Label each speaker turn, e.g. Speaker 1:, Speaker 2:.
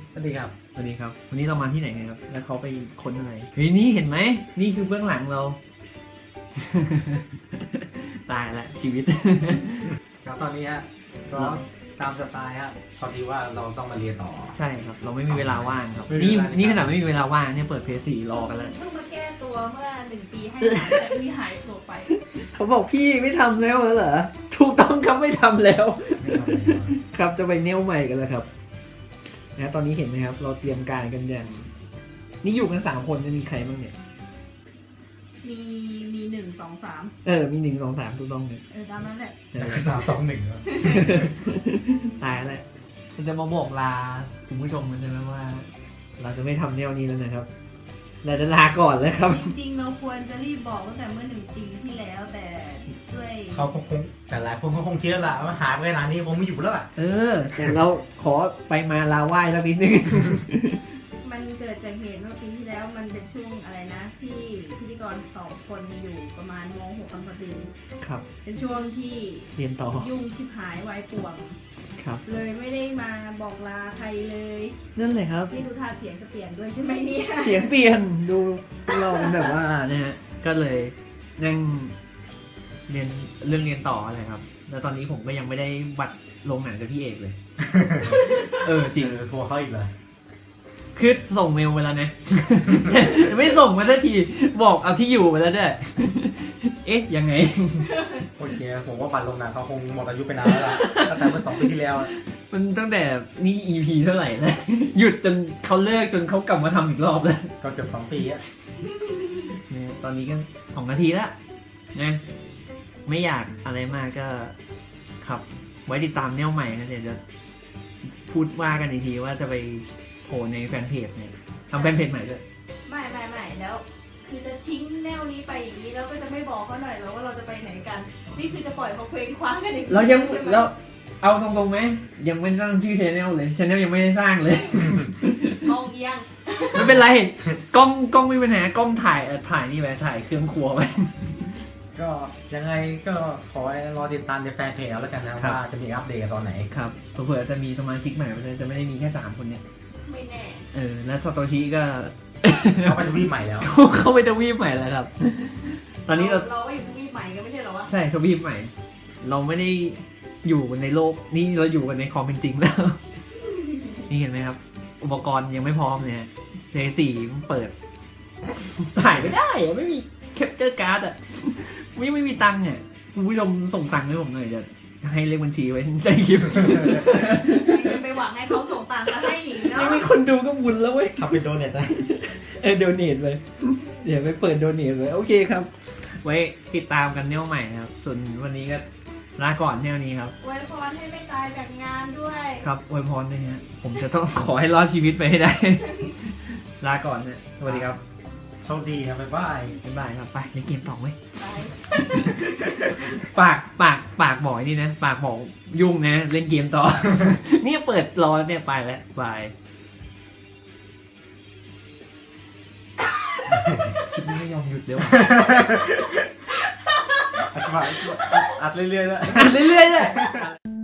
Speaker 1: สวัสดีครับ
Speaker 2: สวัสดีครับวันนี้เรามาที่ไหนกันครับแล้วเขาไปค้นอะไรเฮ้ยนี่เห็นไหมนี่คือเบื้องหลังเรา ตายละชีวิต
Speaker 1: ครับตอนนี้ฮะก็ตามสไตล์ฮะพอดีว่าเราต้องมาเรียนต่อ
Speaker 2: ใช่ครับเราไม่มีเวลาว่างครับ
Speaker 1: ไม่มี
Speaker 2: นี่
Speaker 1: เวลา
Speaker 2: นี่ขนาดไม่มีเวลาว่างเนี่ยเปิดเพย์4รอกันแล้ว
Speaker 3: เพิ่งมาแก้ตัวเมื่อ1 ปีให้หายแต่พี่หายตัวไป
Speaker 2: เขาบอกพี่ไม่ทำแล้วเหรอถูกต้องครับไม่ทำแล้ว
Speaker 1: ไม่ทำอะไรมา
Speaker 2: ครับจะไปเนวใหม่กันแล้วครับนะตอนนี้เห็นไหมครับ เราเตรียมการกันอย่างนี่อยู่กัน3 คนจะมีใครบ้างเนี่ย
Speaker 3: มี1 2 3
Speaker 2: มี1 2 3ถูกต้องเนี่ย
Speaker 3: ตามนั้นแหละ
Speaker 1: 3-2-1ครับ
Speaker 2: ตายแล้วมันจะมาบอกลาคุณผู้ชมกันใช่ไหมว่า เราจะไม่ทำแนวนี้แล้วนะครับเราจะลาก่อนแล้วครับ
Speaker 3: จริงๆเราควรจะรีบบอกตั้งแต่เมื่อ1 ปีที่แล้วแต่ด้วย
Speaker 1: เขาคงแต่หลายคนเขาคงคิดแล้วล่ะว่าหายไปขนาดนี้คงไม่อยู่แล้วล่ะ
Speaker 2: แต่เราขอไปมาลาไหว้สักนิดนึง
Speaker 3: มันเกิดจากเหตุเมื่อปีที่แล้วมันเป็นช่วงอะไรนะ ที่พิธีกร2 คนอยู่ประมาณม.6 กันพอดี
Speaker 2: ครับ
Speaker 3: เป็นช่วงที่
Speaker 2: เรียนต่อ
Speaker 3: ยุ่งชิบหายวายป่วง
Speaker 2: ครับ
Speaker 3: เลยไม่ได้มาบอกลาใครเลย
Speaker 2: นั่นเลยครับ
Speaker 3: นี่ดูท่าเสียงจะเปลี่ยนด้วยใช่ไหมเนี่ย
Speaker 2: เสียงเปลี่ยนดูเราเป็นแบบว่านะฮะก็เลยนั่งเรียนเรื่องเรียนต่ออะไรครับ แล้วตอนนี้ผมก็ยังไม่ได้บัตรลงหนังกับพี่เอกเลย จริง
Speaker 1: โทรเขาอีกเลย
Speaker 2: คือส่งเมลไปแล้วนะ ไม่ส่งมาสักทีบอกเอาที่อยู่ไปแล้วด้วย เอ๊ะยังไง
Speaker 1: โอเคผมว่าบัตรลงหนังเขาคงหมดอายุไปนานแล้วล่ะตั้งแต่เมื่อ2 ปีที่แล้วอะ
Speaker 2: มันตั้งแต่นี่ EP เท่าไหร่แล้ว หยุดจนเขาเลิกจนเขากลับมาทำอีกรอบแล้ว
Speaker 1: ก็เกือบ2 ปีอะ
Speaker 2: เนี่ยตอนนี้ก็2 นาทีแล้วนะไม่อยากอะไรมากก็ครับ ไว้ติดตามแนวใหม่นะเดี๋ยวจะพูดว่ากันอีกทีว่าจะไปโผล่ในแฟนเพจเนี่ยทำแฟนเพจใหม่ด้วย
Speaker 3: ไม่แล้ว คือจะทิ้งแนวนี้ไปอย่างนี้แล้วก็จะไม่บอกเขาหน่อยแล้วว่าเราจะไปไหนกัน นี่คือจะปล่อยเขาเคว้งคว้างกันอย่างนี้
Speaker 2: เรายัง
Speaker 3: ใช่ไหม
Speaker 2: เราเอาตรงๆไหมยังไม่ตั้งชื่อชแนลเลยชแนลยังไม่ได้สร้างเลย
Speaker 3: มองเอียง
Speaker 2: ไม่เป็นไรกล้องไม่เป็นปัญหากล้องถ่ายถ่ายนี่ไปถ่ายเครื่องครัวไป
Speaker 1: ก็ยังไงก็ขอให้รอติดตามในแฟนเพจแล้วกันนะครับ ว่าจะมีอัปเดตตอนไหน
Speaker 2: ครับเผื่อๆจะมีสมาชิกใหม่จะไม่ได้มีแค่3 คนเนี่ย
Speaker 3: ไม่แน่
Speaker 2: แล้วซาโตชิก็
Speaker 1: เขาไปทวีปใหม่แล้ว
Speaker 2: เข้าไปทวีปใหม่แล้วครับ ตอนนี้เรา
Speaker 3: เราก็อยู่ทวีปใหม่กันไม่ใช่เหรอวะ
Speaker 2: ใช่ทวีปใหม่ เราไม่ได้อยู่ในโลกนี่เราอยู่กันในความเป็นจริงแล้ว นี่เห็นไหมครับ อุปกรณ์ยังไม่พร้อมเนี่ยเซสี่มันเปิด ถ่ายไม่ได้อะไม่มีแคปเจอร์การ์ดอะไม่มีตังค์เนี่ยคุณผู้ชมส่งตังค์ให้ผมหน่อยจะให้เลขบัญชีไว้ในคลิป
Speaker 3: จะไปหวังให้เขาส่งตังค์มาให้อีกเนาะ
Speaker 2: ไม่มีคนดูก็บุญแล้วเว้ย
Speaker 1: ทำเป็นโดเนทได้
Speaker 2: โดเนทไปเดี๋ยวไปเปิดโดเนทไปโอเคครับ ไว้ติดตามกันแนวใหม่นะครับ ส่วนวันนี้ก็ลาก่อนแนวนี้ครับ
Speaker 3: อวยพรให้ไม่ตายจากงานด้วย
Speaker 2: ครับอวยพรนะฮะผมจะต้อง ขอให้รอดชีวิตไปให้ได้ ลาก่อนนะสวัสดีครับ
Speaker 1: โชคดีครับบ๊ายบาย
Speaker 2: บ๊ายบายครับไปเล่นเกมต่อเว้ย
Speaker 3: ไป
Speaker 2: ปากบอกไอ้นี่นะปากบอกยุ่งนะเล่นเกมต่อ เนี่ยเปิดรอเนี่ยไปแล้วบายชิปไม่ยอมหยุดเดี๋ยว
Speaker 1: อาชีพอัดเรื่อยๆแล้ว
Speaker 2: เรื่อยๆเลย